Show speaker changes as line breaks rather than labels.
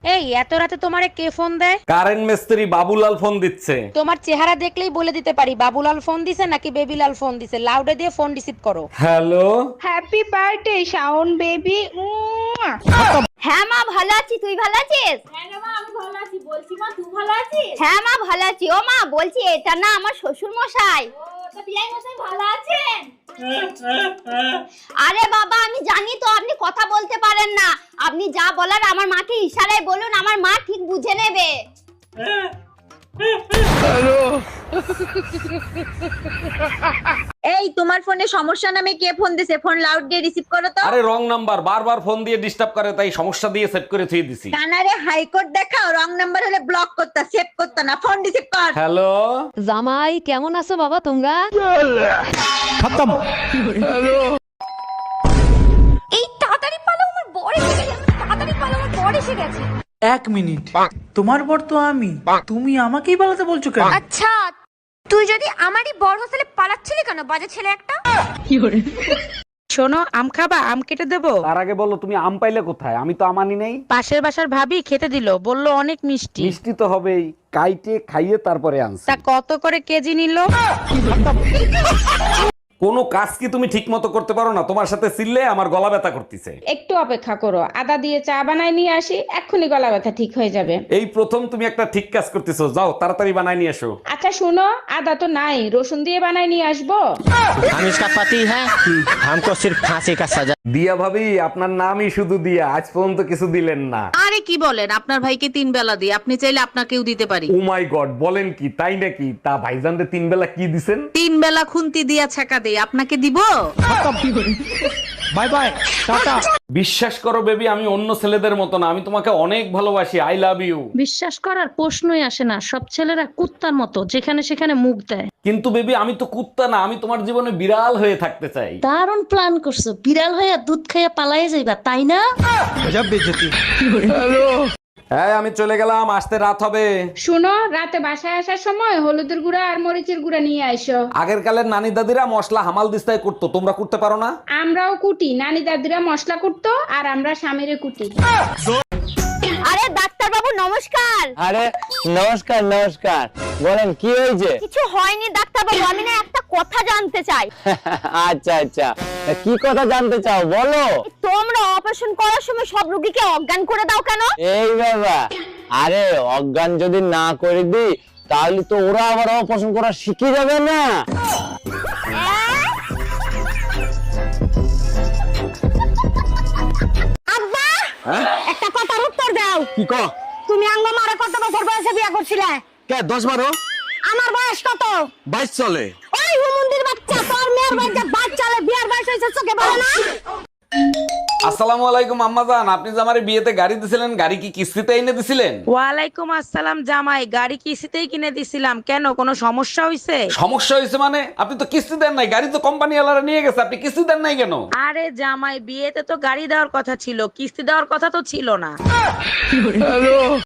এই এত রাতে তোমারে কে ফোন দেয়?
কারেন্ট মিস্ত্রি বাবুলাল ফোন দিচ্ছে।
তোমার চেহারা দেখলেই বলে দিতে পারি বাবুলাল ফোন দিছে নাকি বেবিলাল ফোন দিছে। লাউডে দিয়ে ফোন রিসিভ করো।
Hello.
Happy birthday Shawon baby.
হ্যাঁ মা ভালো আছি, তুই ভালো আছিস?
হ্যাঁ রে মা, আমি ভালো আছি। বলছি মা, তুই ভালো আছিস?
হ্যাঁ মা ভালো আছি। ও মা বলছি এটা না আমার শ্বশুর মশাই।
ও, তা বিয়াই মশাই ভালো আছেন?
আরে বাবা আমি জানি তো আপনি কথা বলতে পারেন না, আপনি যা বলার আমার মাকে ইশারায় বলুন, আমার মা ঠিক বুঝে নেবে।
এই তোমার ফোনে সমস্যা নামে কে ফোন দিছে? ফোন লাউড দিয়ে রিসিভ করো তো।
আরে রং নাম্বার, বারবার ফোন দিয়ে ডিস্টার্ব করে, তাই সমস্যা দিয়ে সেট করে থুয়ে দিছি।
কানারে হাইকোর্ট দেখাও, রং নাম্বার হলে ব্লক করতা, সেভ করতা না, ফোন রিসিভ কর।
হ্যালো।
জামাই কেমন আছো বাবা তোমরা?
এই তাড়াতাড়ি পালো, আমার বর এসে গেছে। তাড়াতাড়ি পালো, আমার বর এসে গেছে।
1 মিনিট, তোমার বর তো আমি, তুমি আমাকেই পালাতে বলছো কেন?
আচ্ছা তুই যদি আমারই বর হোস্টেলে পালাচ্ছিলি কেন, বাজে ছেলে একটা?
শোনো, আম খাবা? আম কেটে দেবো?
তার আগে বলো তুমি আম পাইলে কোথায়? আমি তো আমানি নেই।
পাশের বাসার ভাবি খেতে দিলো, বললো অনেক মিষ্টি।
মিষ্টি তো হবেই, কাইটে খাইয়ে তারপরে আনছি।
তা কত করে কেজি নিল?
কোনো কাজ কি তুমি ঠিক মতো করতে পারো না? তোমার সাথে চিল্লে আমার গলা ব্যথা করতেছে।
একটু অপেক্ষা করো, আদা দিয়ে চা বানায় নিয়ে আসি, এক্ষুনি গলা ব্যথা ঠিক হয়ে যাবে।
এই প্রথম তুমি একটা ঠিক কাজ করতেছো, যাও তাড়াতাড়ি বানাই নিয়ে এসো।
আচ্ছা শুনো, আদা তো নাই, রসুন দিয়ে বানায় নিয়ে আসবো।
हम इसका पति है, हमको सिर्फ फांसी का सजा।
দিয়া ভাবি, আপনার নামই শুধু দিয়া, আজ পর্যন্ত কিছু দিলেন না।
আরে কি বলেন, আপনার ভাইকে 3 বেলা দিই, আপনি চাইলে আপনাকেও দিতে পারি।
ও মাই গড, বলেন কি? তাই নাকি? তা ভাইজানরে 3 বেলা কি দিছেন?
3 বেলা খুন্তি দিয়া ছাকা দেই, আপনাকে দিব?
Bye bye tata.
বিশ্বাস করো বেবি, আমি অন্য ছেলেদের মতো না, আমি তোমাকে অনেক ভালোবাসি। I love you.
বিশ্বাস করার প্রশ্নই আসে না, সব ছেলেরা কুত্তার মতো যেখানে সেখানে মুখ দেয়।
কিন্তু বেবি আমি তো কুত্তা না, আমি তোমার জীবনে বিড়াল হয়ে থাকতে চাই।
দারুণ প্ল্যান করছো, বিড়াল হইয়া দুধ খাইয়া পালাই যাইবা তাই না?
गजब बेइज्जती।
হ্যাঁ আমি চলে গেলাম, আসতে রাত হবে।
শুনো, রাতে বাসায় আসার সময় হলুদের গুঁড়া আর মরিচের গুঁড়া নিয়ে আইসো।
আগের কালের নানি দাদিরা মশলা হামাল দিস্তায় করতো, তোমরা করতে পারো না?
আমরাও কুটি, নানি দাদিরা মশলা কুটতো আর আমরা স্বামীরে কুটি।
আরে ডাক্তার বাবু নমস্কার।
আরে নমস্কার নমস্কার, বলেন কি হয়েছে?
কিছু হয়নি ডাক্তার বাবু, আমি না একটা কথা জানতে চাই।
আচ্ছা আচ্ছা, কি কথা জানতে চাও বলো।
তোমরা অপারেশন করার সময় সব রোগীকে অজ্ঞান করে দাও কেন?
এই বাবা, আরে অজ্ঞান যদি না করে দিই তাহলে তো ওরা আবার অপারেশন করা শিখে যাবে না।
আব্বা একটা কথার উত্তর দাও।
কি ক?
তুমি আঙ্গ মারা কত বছর বয়সে বিয়ে করছিলে?
কে 10-12?
আমার বয়স কত?
22 চলে।
ওই হুমুন্দির বাচ্চা, তোর মেয়ের বাচ্চা বাচ্চালে বিয়ার বয়স হয়েছে চোখে পড়ে না?
আসসালামু আলাইকুম আম্মাজান, আপনি যে আমার বিয়েতে গাড়ি দিছিলেন, গাড়ি কি কিস্তিতে এনে দিছিলেন?
ওয়ালাইকুম আসসালাম জামাই, গাড়ি কিস্তিতেই কিনে দিছিলাম। কেন, কোনো সমস্যা হয়েছে?
সমস্যা হয়েছে মানে? আপনি তো কিস্তি দেন নাই, গাড়ি তো কোম্পানি ওয়ালারা নিয়ে গেছে, আপনি কিস্তি দেন নাই কেন?
আরে জামাই, বিয়েতে তো গাড়ি দেওয়ার কথা ছিল, কিস্তি দেওয়ার কথা তো ছিল না।